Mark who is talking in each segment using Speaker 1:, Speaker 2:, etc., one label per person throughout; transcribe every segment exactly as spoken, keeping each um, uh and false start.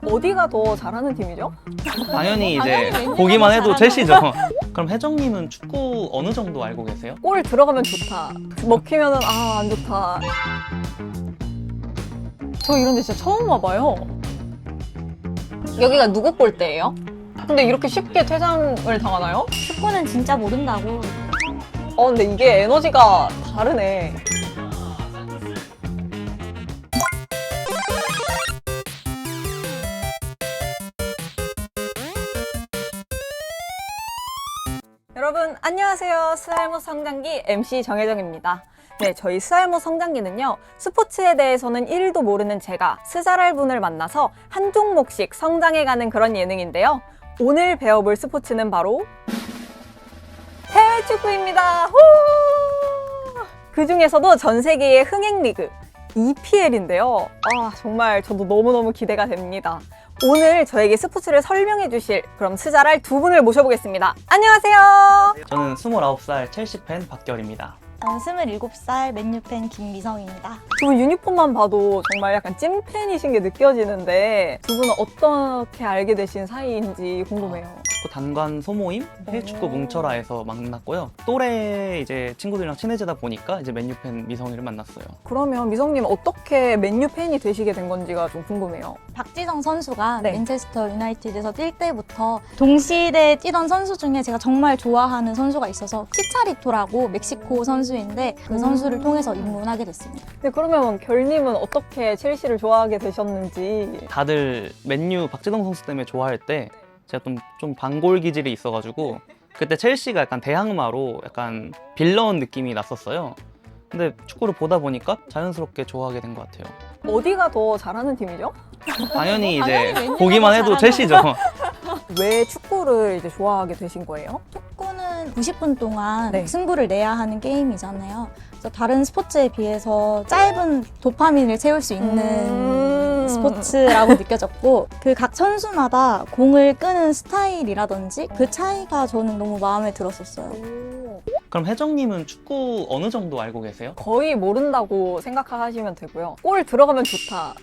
Speaker 1: 어디가 더 잘하는 팀이죠?
Speaker 2: 당연히 이제
Speaker 3: 당연히 맨유가
Speaker 2: 보기만 해도
Speaker 3: 잘하는
Speaker 2: 첼시죠. 그럼 혜정님은 축구 어느 정도 알고 계세요?
Speaker 1: 골 들어가면 좋다. 먹히면은 아, 안 좋다. 저 이런 데 진짜 처음 와봐요. 여기가 누구 골대예요? 근데 이렇게 쉽게 퇴장을 당하나요?
Speaker 3: 축구는 진짜 모른다고.
Speaker 1: 어, 근데 이게 에너지가 다르네. 여러분 안녕하세요. 스알모 성장기 엠씨 정혜정입니다. 네, 저희 스알모 성장기는요, 스포츠에 대해서는 일도 모르는 제가 스잘할 분을 만나서 한 종목씩 성장해가는 그런 예능인데요. 오늘 배워볼 스포츠는 바로 해외 축구입니다. 후! 그 중에서도 전 세계의 흥행 리그 이피엘인데요. 아, 정말 저도 너무너무 기대가 됩니다. 오늘 저에게 스포츠를 설명해 주실 그럼 스잘할 두 분을 모셔보겠습니다. 안녕하세요.
Speaker 2: 저는 스물아홉 살 첼시 팬 박결입니다.
Speaker 3: 저는 스물일곱 살 맨유 팬 김미성입니다.
Speaker 1: 두 분 유니폼만 봐도 정말 약간 찐팬이신 게 느껴지는데 두 분은 어떻게 알게 되신 사이인지 궁금해요.
Speaker 2: 축구 단관 소모임 해외 축구
Speaker 1: 오.
Speaker 2: 뭉쳐라에서 만났고요. 또래 이제 친구들이랑 친해지다 보니까 이제 맨유 팬 미성이를 만났어요.
Speaker 1: 그러면 미성님 어떻게 맨유 팬이 되시게 된 건지가 좀 궁금해요.
Speaker 3: 박지성 선수가
Speaker 1: 네.
Speaker 3: 맨체스터 유나이티드에서 뛸 때부터 동시대에 뛰던 선수 중에 제가 정말 좋아하는 선수가 있어서 치차리토라고 멕시코 선수인데 그
Speaker 1: 음.
Speaker 3: 선수를 통해서 입문하게 됐습니다.
Speaker 1: 네, 그러면 결님은 어떻게 첼시를 좋아하게 되셨는지.
Speaker 2: 다들 맨유 박지성 선수 때문에 좋아할 때 제가 좀, 좀 반골 기질이 있어가지고 그때 첼시가 약간 대항마로 약간 빌런 느낌이 났었어요. 근데 축구를 보다 보니까 자연스럽게 좋아하게 된 것 같아요.
Speaker 1: 어디가 더 잘하는 팀이죠?
Speaker 2: 당연히 이제
Speaker 3: 당연히 맨유가
Speaker 2: 보기만 해도
Speaker 3: 잘하는
Speaker 2: 첼시죠.
Speaker 1: 왜 축구를 이제 좋아하게 되신 거예요?
Speaker 3: 축구는 구십 분 동안
Speaker 1: 네.
Speaker 3: 승부를 내야 하는 게임이잖아요. 그래서 다른 스포츠에 비해서 짧은 도파민을 채울 수 있는
Speaker 1: 음.
Speaker 3: 스포츠라고 느껴졌고 그 각 선수마다 공을 끄는 스타일이라든지 그 차이가 저는 너무 마음에 들었었어요.
Speaker 1: 오.
Speaker 2: 그럼 혜정님은 축구 어느 정도 알고 계세요?
Speaker 1: 거의 모른다고 생각하시면 되고요. 골 들어가면 좋다.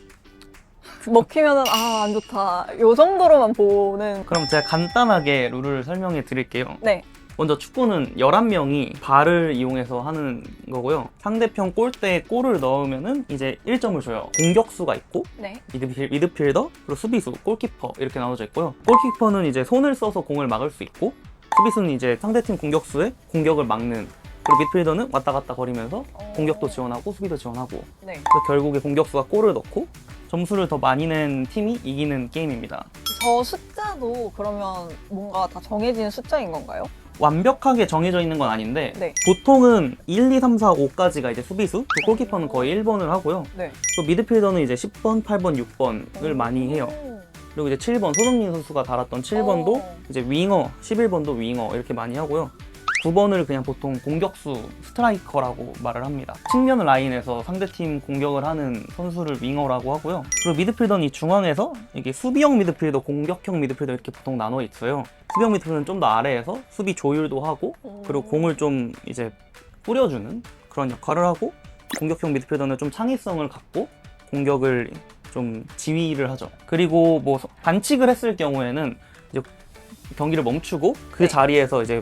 Speaker 1: 먹히면은 아, 안 좋다. 요 정도로만 보는.
Speaker 2: 그럼 제가 간단하게 룰을 설명해 드릴게요.
Speaker 1: 네.
Speaker 2: 먼저 축구는 열한 명이 발을 이용해서 하는 거고요. 상대편 골대에 골을 넣으면은 이제 일 점을 줘요. 공격수가 있고
Speaker 1: 네.
Speaker 2: 미드필, 미드필더, 그리고 수비수, 골키퍼 이렇게 나눠져 있고요. 골키퍼는 이제 손을 써서 공을 막을 수 있고 수비수는 이제 상대팀 공격수의 공격을 막는, 그리고 미드필더는 왔다 갔다 거리면서 공격도 지원하고 수비도 지원하고,
Speaker 1: 네.
Speaker 2: 그래서 결국에 공격수가 골을 넣고 점수를 더 많이 낸 팀이 이기는 게임입니다.
Speaker 1: 저 숫자도 그러면 뭔가 다 정해진 숫자인 건가요?
Speaker 2: 완벽하게 정해져 있는 건 아닌데
Speaker 1: 네.
Speaker 2: 보통은 일, 이, 삼, 사, 오까지가 이제 수비수, 그 골키퍼는 거의 일 번을 하고요.
Speaker 1: 네.
Speaker 2: 또 미드필더는 이제 십 번, 팔 번, 육 번을 많이 해요. 그리고 이제 칠 번, 손흥민 선수가 달았던 칠 번도
Speaker 1: 오.
Speaker 2: 이제 윙어, 십일 번도 윙어 이렇게 많이 하고요. 구 번을 그냥 보통 공격수, 스트라이커라고 말을 합니다. 측면 라인에서 상대팀 공격을 하는 선수를 윙어라고 하고요. 그리고 미드필더는 이 중앙에서 이게 수비형 미드필더, 공격형 미드필더 이렇게 보통 나눠 있어요. 수비형 미드필더는 좀 더 아래에서 수비 조율도 하고, 그리고 공을 좀 이제 뿌려주는 그런 역할을 하고, 공격형 미드필더는 좀 창의성을 갖고 공격을 좀 지휘를 하죠. 그리고 뭐 반칙을 했을 경우에는 이제 경기를 멈추고 그
Speaker 1: 네.
Speaker 2: 자리에서 이제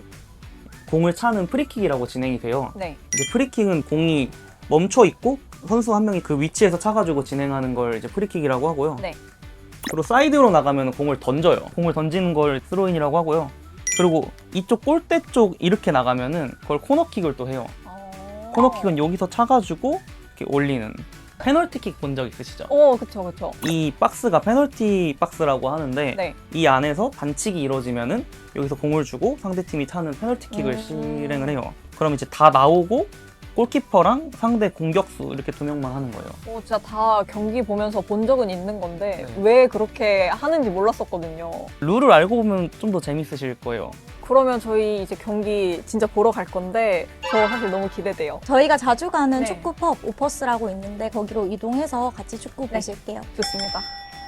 Speaker 2: 공을 차는 프리킥이라고 진행이 돼요.
Speaker 1: 네.
Speaker 2: 이제 프리킥은 공이 멈춰 있고 선수 한 명이 그 위치에서 차가지고 진행하는 걸 이제 프리킥이라고 하고요.
Speaker 1: 네.
Speaker 2: 그리고 사이드로 나가면 공을 던져요. 공을 던지는 걸 스로인이라고 하고요. 그리고 이쪽 골대 쪽 이렇게 나가면은 그걸 코너킥을 또 해요.
Speaker 1: 어...
Speaker 2: 코너킥은 여기서 차가지고 이렇게 올리는. 페널티킥 본 적 있으시죠?
Speaker 1: 오, 그쵸, 그쵸.
Speaker 2: 이 박스가 페널티 박스라고 하는데
Speaker 1: 네.
Speaker 2: 이 안에서 반칙이 이루어지면은 여기서 공을 주고 상대팀이 차는 페널티킥을
Speaker 1: 음.
Speaker 2: 실행을 해요. 그럼 이제 다 나오고 골키퍼랑 상대 공격수 이렇게 두 명만 하는 거예요.
Speaker 1: 어, 진짜 다 경기 보면서 본 적은 있는 건데
Speaker 2: 네.
Speaker 1: 왜 그렇게 하는지 몰랐었거든요.
Speaker 2: 룰을 알고 보면 좀 더 재밌으실 거예요.
Speaker 1: 그러면 저희 이제 경기 진짜 보러 갈 건데 저 사실 너무 기대돼요.
Speaker 3: 저희가 자주 가는
Speaker 1: 네.
Speaker 3: 축구 펍 오퍼스라고 있는데 거기로 이동해서 같이 축구
Speaker 1: 네.
Speaker 3: 보실게요.
Speaker 1: 좋습니다.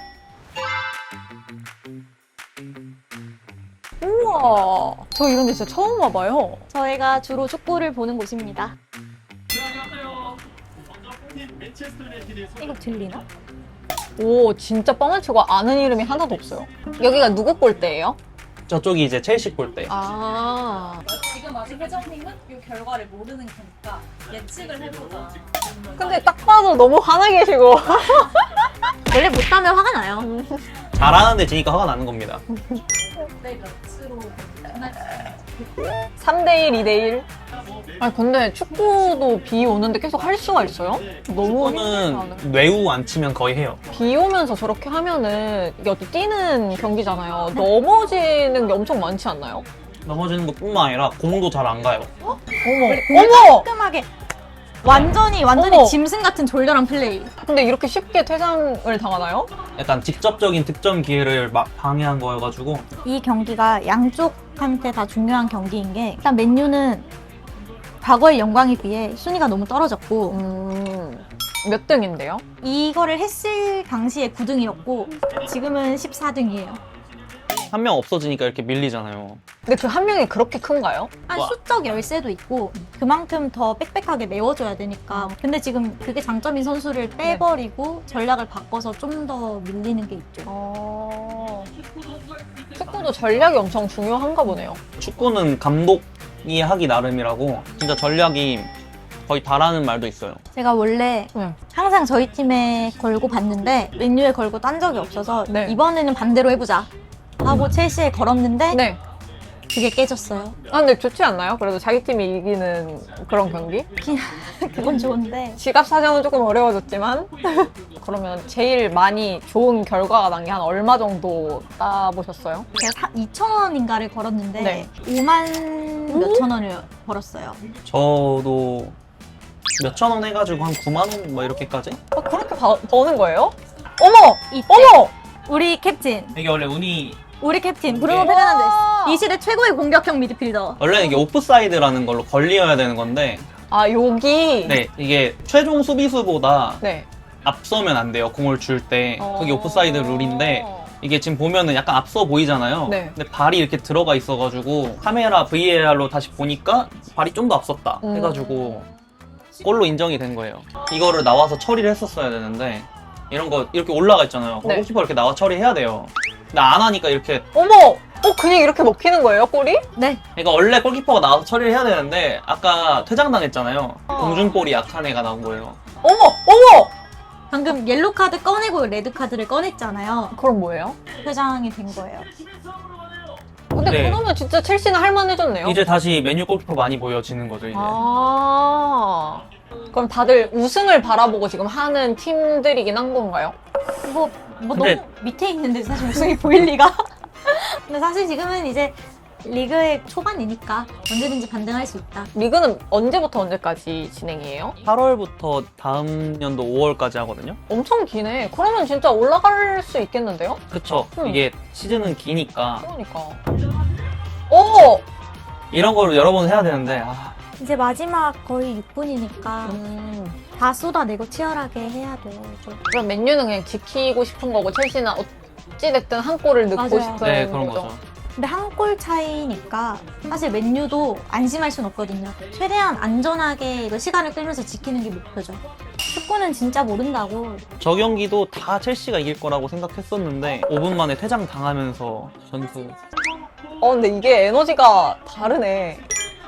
Speaker 1: 우와, 저 이런 데 진짜 처음 와봐요.
Speaker 3: 저희가 주로 축구를 보는 곳입니다.
Speaker 4: 네, 안녕하세요. 먼저 팀 맨체스터 유나이티드의
Speaker 3: 이거 들리나?
Speaker 1: 오, 진짜 뻥을 치고 아는 이름이 하나도 없어요. 여기가 누구 골대예요?
Speaker 2: 저쪽이 이제 첼시 골대.
Speaker 1: 아.
Speaker 4: 지금 아직 회장님은 이 결과를 모르는 거니까 예측을 해보자.
Speaker 1: 근데 딱 봐도 너무 화나 계시고.
Speaker 3: 원래 못하면 화가 나요.
Speaker 2: 잘하는데 지니까 화가 나는 겁니다.
Speaker 4: 네, 몇으로 끝날 수
Speaker 1: 삼 대 일, 이 대 일. 아니, 근데 축구도 비 오는데 계속 할 수가 있어요? 너무 힘들지 않아요?
Speaker 2: 축구는 뇌우 안 치면 거의 해요.
Speaker 1: 비 오면서 저렇게 하면은 이게 어떻게 뛰는 경기잖아요. 넘어지는 게 엄청 많지 않나요?
Speaker 2: 넘어지는 것뿐만 아니라 공도 잘 안 가요.
Speaker 1: 어머,
Speaker 3: 어머! 깔끔하게 완전히 완전히
Speaker 1: 어머.
Speaker 3: 짐승 같은 졸렬한 플레이.
Speaker 1: 근데 이렇게 쉽게 퇴장을 당하나요?
Speaker 2: 약간 직접적인 득점 기회를 막 방해한 거여가지고
Speaker 3: 이 경기가 양쪽한테 다 중요한 경기인 게 일단 맨유는 과거의 영광에 비해 순위가 너무 떨어졌고
Speaker 1: 음, 몇 등인데요?
Speaker 3: 이거를 했을 당시에 구 등이었고 지금은 십사 등이에요.
Speaker 2: 한 명 없어지니까 이렇게 밀리잖아요.
Speaker 1: 근데 그 한 명이 그렇게 큰가요?
Speaker 3: 한
Speaker 2: 와.
Speaker 3: 수적 열세도 있고 그만큼 더 빽빽하게 메워줘야 되니까 근데 지금 그게 장점인 선수를 빼버리고 전략을 바꿔서 좀 더 밀리는 게 있죠.
Speaker 1: 어... 축구도 전략이 엄청 중요한가 보네요.
Speaker 2: 축구는 감독이 하기 나름이라고 진짜 전략이 거의 다라는 말도 있어요.
Speaker 3: 제가 원래
Speaker 1: 네.
Speaker 3: 항상 저희 팀에 걸고 봤는데 맨유에 걸고 딴 적이 없어서
Speaker 1: 네.
Speaker 3: 이번에는 반대로 해보자 하고 첼시에 걸었는데
Speaker 1: 네.
Speaker 3: 그게 깨졌어요.
Speaker 1: 아, 근데 좋지 않나요? 그래도 자기 팀이 이기는 그런 경기?
Speaker 3: 그건 좋은데
Speaker 1: 지갑 사정은 조금 어려워졌지만 그러면 제일 많이 좋은 결과가 난 게 한 얼마 정도 따보셨어요?
Speaker 3: 제가 이천 원인가를 걸었는데
Speaker 1: 네.
Speaker 3: 오만 몇천 원을 벌었어요.
Speaker 2: 저도 몇천 원 해가지고 한 구만 원 뭐 이렇게까지?
Speaker 1: 아, 그렇게 바, 버는 거예요? 어머!
Speaker 3: 이때
Speaker 1: 어머!
Speaker 3: 우리 캡틴
Speaker 2: 이게 원래 운이
Speaker 3: 우리 캡틴 브루노
Speaker 2: 네.
Speaker 3: 페르난데스 이 시대 최고의 공격형 미드필더.
Speaker 2: 원래는 이게 오프사이드라는 걸로 걸리어야 되는 건데
Speaker 1: 아, 여기?
Speaker 2: 네 이게 최종 수비수보다
Speaker 1: 네.
Speaker 2: 앞서면 안 돼요. 공을 줄 때 그게
Speaker 1: 어.
Speaker 2: 오프사이드 룰인데 이게 지금 보면은 약간 앞서 보이잖아요.
Speaker 1: 네.
Speaker 2: 근데 발이 이렇게 들어가 있어가지고 카메라 브이에이알로 다시 보니까 발이 좀 더 앞섰다
Speaker 1: 음.
Speaker 2: 해가지고 골로 인정이 된 거예요. 이거를 나와서 처리를 했었어야 되는데 이런 거 이렇게 올라가 있잖아요.
Speaker 1: 네.
Speaker 2: 골키퍼 이렇게 나와 처리해야 돼요. 근데 안 하니까 이렇게
Speaker 1: 어머! 어, 그냥 이렇게 먹히는 거예요, 골이?
Speaker 3: 네.
Speaker 2: 그러니까 원래 골키퍼가 나와서 처리를 해야 되는데 아까 퇴장당했잖아요.
Speaker 1: 어.
Speaker 2: 공중볼이 약한 애가 나온 거예요.
Speaker 1: 어머! 어머!
Speaker 3: 방금 옐로 카드 꺼내고 레드 카드를 꺼냈잖아요.
Speaker 1: 그럼 뭐예요?
Speaker 3: 퇴장이 된 거예요.
Speaker 1: 근데
Speaker 2: 네.
Speaker 1: 그러면 진짜 첼시는 할만해졌네요.
Speaker 2: 이제 다시 메뉴 골키퍼 많이 보여지는 거죠 이제.
Speaker 1: 아. 그럼 다들 우승을 바라보고 지금 하는 팀들이긴 한 건가요?
Speaker 3: 뭐, 뭐
Speaker 2: 근데-
Speaker 3: 너무 밑에 있는데 사실 우승이 보일 리가. 근데 사실 지금은 이제 리그의 초반이니까 언제든지 반등할 수 있다.
Speaker 1: 리그는 언제부터 언제까지 진행이에요?
Speaker 2: 팔월부터 다음 연도 오월까지 하거든요.
Speaker 1: 엄청 기네. 그러면 진짜 올라갈 수 있겠는데요?
Speaker 2: 그쵸.
Speaker 1: 음.
Speaker 2: 이게 시즌은 기니까
Speaker 1: 그러니까. 오!
Speaker 2: 이런 거를 여러 번 해야 되는데 아,
Speaker 3: 이제 마지막 거의 육 분이니까
Speaker 1: 음.
Speaker 3: 다 쏟아내고 치열하게 해야 돼요. 이제.
Speaker 1: 그럼 맨유는 그냥 지키고 싶은 거고 첼시는 어찌됐든 한 골을 넣고
Speaker 3: 맞아요.
Speaker 1: 싶은
Speaker 2: 네 그런 거죠.
Speaker 3: 근데 한 골 차이니까 사실 맨유도 안심할 순 없거든요. 최대한 안전하게 이거 시간을 끌면서 지키는 게 목표죠. 축구는 진짜 모른다고.
Speaker 2: 저 경기도 다 첼시가 이길 거라고 생각했었는데 오 분 만에 퇴장 당하면서 전투.
Speaker 1: 어, 근데 이게 에너지가 다르네.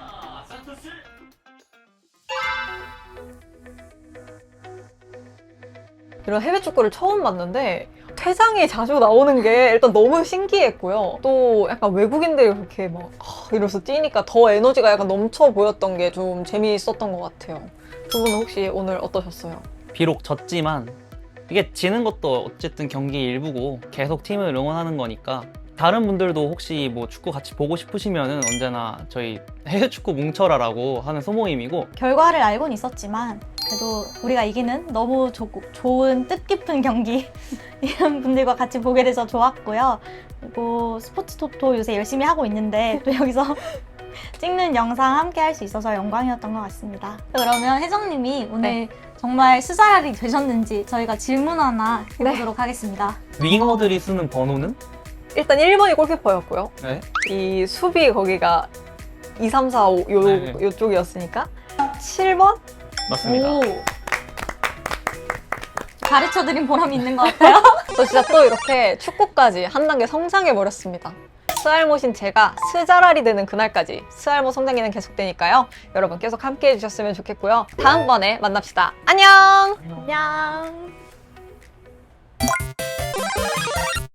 Speaker 1: 이런 해외 축구를 처음 봤는데 퇴장이 자주 나오는 게 일단 너무 신기했고요. 또 약간 외국인들이 그렇게 막 아, 이러면서 뛰니까 더 에너지가 약간 넘쳐 보였던 게 좀 재미있었던 것 같아요. 두 분은 혹시 오늘 어떠셨어요?
Speaker 2: 비록 졌지만 이게 지는 것도 어쨌든 경기 일부고 계속 팀을 응원하는 거니까 다른 분들도 혹시 뭐 축구 같이 보고 싶으시면은 언제나 저희 해외 축구 뭉쳐라라고 하는 소모임이고
Speaker 3: 결과를 알고는 있었지만 그래도 우리가 이기는 너무 조, 좋은 뜻깊은 경기 이런 분들과 같이 보게 돼서 좋았고요. 그리고 스포츠 토토 요새 열심히 하고 있는데 또 여기서 찍는 영상 함께 할 수 있어서 영광이었던 것 같습니다. 그러면 혜정님이 오늘
Speaker 1: 네.
Speaker 3: 정말 스사랄이 되셨는지 저희가 질문 하나 해보도록 하겠습니다.
Speaker 2: 윙어들이 쓰는 번호는?
Speaker 1: 일단 일 번이 골키퍼였고요.
Speaker 2: 네.
Speaker 1: 이 수비 거기가 이, 삼, 사, 오 요,
Speaker 2: 네.
Speaker 1: 요쪽이었으니까 칠 번?
Speaker 2: 맞습니다.
Speaker 3: 오, 가르쳐드린 보람이 있는 것 같아요.
Speaker 1: 저 진짜 또 이렇게 축구까지 한 단계 성장해버렸습니다. 스알못인 제가 스자랄이 되는 그날까지 스알못 성장기는 계속되니까요. 여러분 계속 함께 해주셨으면 좋겠고요. 다음번에 만납시다. 안녕!
Speaker 3: 안녕.